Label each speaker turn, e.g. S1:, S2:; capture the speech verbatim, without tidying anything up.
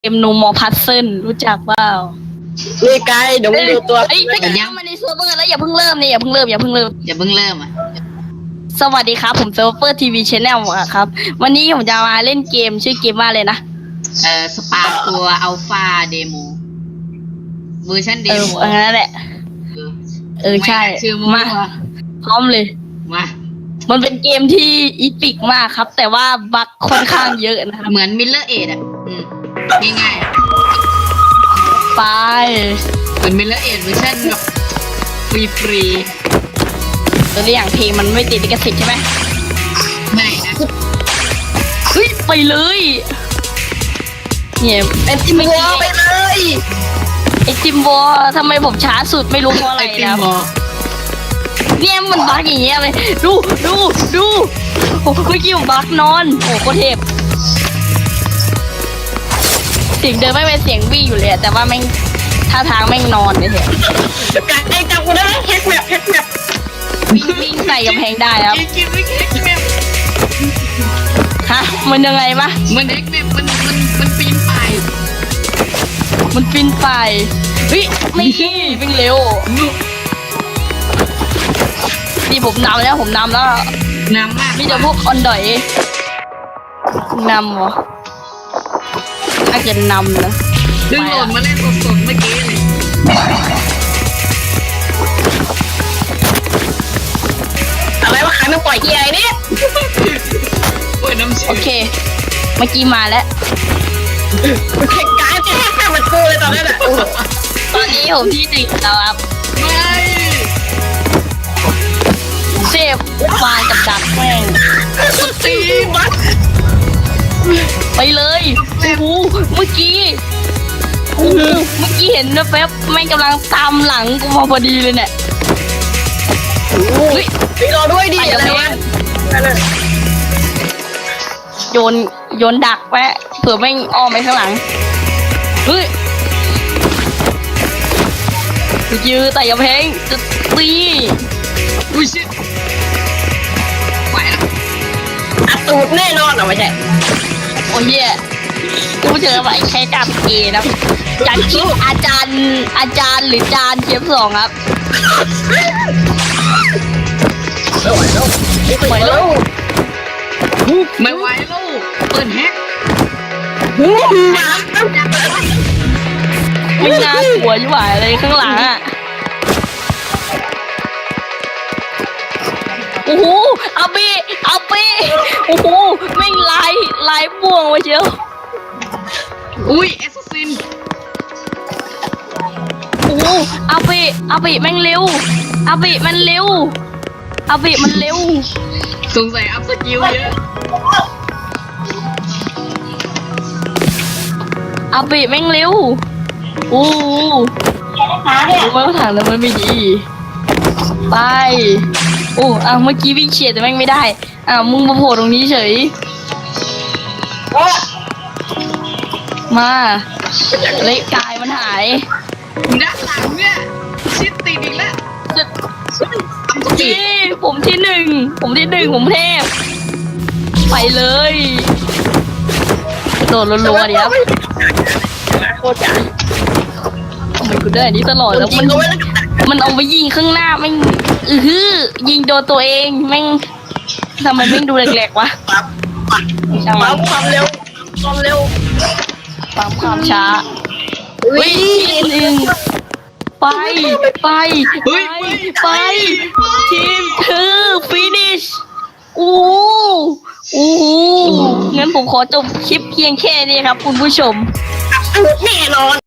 S1: เกมโนมอพัซเซิลรู้จักเปล่า
S2: นี่ไกด์เดี๋ยวมึงดูตัว
S1: เอ้ยถ้าเกิดยังมาในเซิร์ฟเวอร์แล้วอย่าเพิ่งเริ่มเนี่ยอย่าเพิ่งเริ่มอย่าเพิ่งเริ่ม
S3: อย่าเพิ่งเริ่มอ่ะ
S1: สวัสดีครับผมเซิร์ฟเวอร์ทีวีชแนลครับวันนี้ผมจะมาเล่นเกมชื่อเกมว่าเลยนะ
S3: เอ่อสปาตัวอัลฟาเดโมเวอร์ชันเด
S1: เออ
S3: โม
S1: อันนั้นแหละเออใช่
S3: ชื่อ
S1: มา
S3: มา
S1: พร้อมเลย
S3: มา
S1: มันเป็นเกมที่อีพิกมากครับ แต่ว่าบั๊กค่อนข้างเยอะนะครับ
S3: เหมือนมิลเลอร์เอดอ่ะอืมง่ายๆอะ
S1: ไป
S3: เหมือนมิลเลอร์เอดเวอร์ชันแบบฟรีฟรี
S1: ตัวอย่างเพลงมันไม่ติดลิขสิทธิ์ใช่ไหม
S3: ไม่นะ
S1: เฮ้ยไปเลยเนี่ย
S2: ไอ้จิมวัวไปเลย
S1: ไอจิมบอทำไมผมช้าสุดไม่รู้เพราะอะไร
S3: ไอติม
S1: นะ
S3: บอล
S1: เนี่ยมันบั๊กอย่างเงี้ยเลยดูดูดูโอ้เมื่อกี้ผมบั๊กนอนโอ้โคตรเทพเสียงเดินไม่เป็นเสียงวิ่งอยู่เลยอะแต่ว่าแม่งท่าทางแม่งนอนเลยเถอะ
S2: ไกด์ไอ้จับกูได้แฮกแมปแฮกแมป
S1: วิ่งวิ่งใส่กำแพงได้ครับ
S3: อีกินไม่แข็งแมป
S1: ฮะมันยังไงวะ
S3: มันเอ็กแมปมันมันมันปีนป่าย
S1: มันฟินไปเฮ้ยไม่วิ่งเร็ว
S3: นุก
S1: นี่ผมนำแล้วผมนำแล้ว
S3: น้ำมาก
S1: มีแต่พวกคอนดอยนำเหรอถ้าจะนำนะ
S3: ดึงโหลดมาเล่นสดๆเมื่อกี้เลย
S2: อะไรวะขันมันปล่อยเกียร์ไอ้เนี่ย
S3: เปิดน้ำเชื่
S1: โอเคเมื่อกี้มาแล้ว
S2: ไอ้ไกด์จะแฮกแมปมันกูเลยตอนนั้นอ่ะโอ้โห
S1: ตอนนี้ผมที่หนึ่งแล้วครับ
S3: ไม่
S1: เซฟฟานกับดักแม่ง
S2: ตีบัส
S1: ไปเลยโอ้โหเมื่อกี้โอ้โหเมื่อกี้เห็นนะแป๊บแม่งกำลังตามหลังกูมาพอดีเลยเนี่ยเฮ้ย
S2: ตีรอด้วยดิอะไรวะนั่นน่ะ
S1: โยนโยนดักแวะเผื่อแม่งอ้อมไปข้างหลังเฮ้ยยื้อแต่อย่าเพลงจะตี
S3: อุ้ยชิดไหวแล้ว
S2: อัดตูดแน่นอนเหรอไม่ใช่
S1: โอ้ยเหี้ยกูเจอไปใช้จับเกนะจากคลิปอาจารย์อาจารย์หรือจานเชฟสองครับ
S2: ไม่ไหวแล้วไม่ไหวแล้ว
S3: ไม่ไหวลูกเปิดแฮก
S2: หูหมา
S1: ไม่น่ากลัวยิ่งหวายเลยข้างหลังอ่ะโอ้โหเอาไปเอาไปโอ้โหแม่งลายลายบ่วงไว้เชียว
S3: อุ้ยแอสซัสซิน
S1: โอ้โหเอาไปเอาไปแม่งเร็วเอาไปมันเร็วเอาไปมันเร็ว
S3: สงสัยอัพสกิลเยอะ
S1: เอาไปแม่งเร็วโอ้โหรู้ไหมว่าถังแล้วมันไม่ดีไปโอ้อ่ะเมื่อกี้วิ่งเฉียดแต่แม่งไม่ได้อ่ะมึงมาโผล่ตรงนี้เฉยมาเละกายมันหาย
S3: ด้านหลังเนี่ยชิดติดอีกแล้ว
S1: จะ
S3: อัพสกิ
S1: จี
S3: ล
S1: ผมที่หนึ่งผมที่หนึ่งผมเทพไปเลยโดดรัวๆดิครับ
S2: โคตรจ๋า
S1: ทำไมกูได้อันนี้ตลอดแล้ว
S2: จริ
S1: มั
S2: ง
S1: น
S2: ก็ไม่ได้กับดัก
S1: มันเอาไปยิงข้างหน้าแม่งอือฮือยิงโดนตัวเองแม่งทำไมแม่งดูแหลกๆวะ
S2: ปั๊บปั๊บ
S1: ช่างมั
S2: ปั๊
S1: น
S2: บความเร็วความเร็ว
S1: ปั๊มความช้า
S2: วิ่
S1: วิ่งหนึ่งไปไปไปไปทีมคือฟินิชโอ้โหโอ้โหงั้นผมขอจบคลิปเพียงแค่นี้ครับคุณผู้ชม
S2: แน่นอน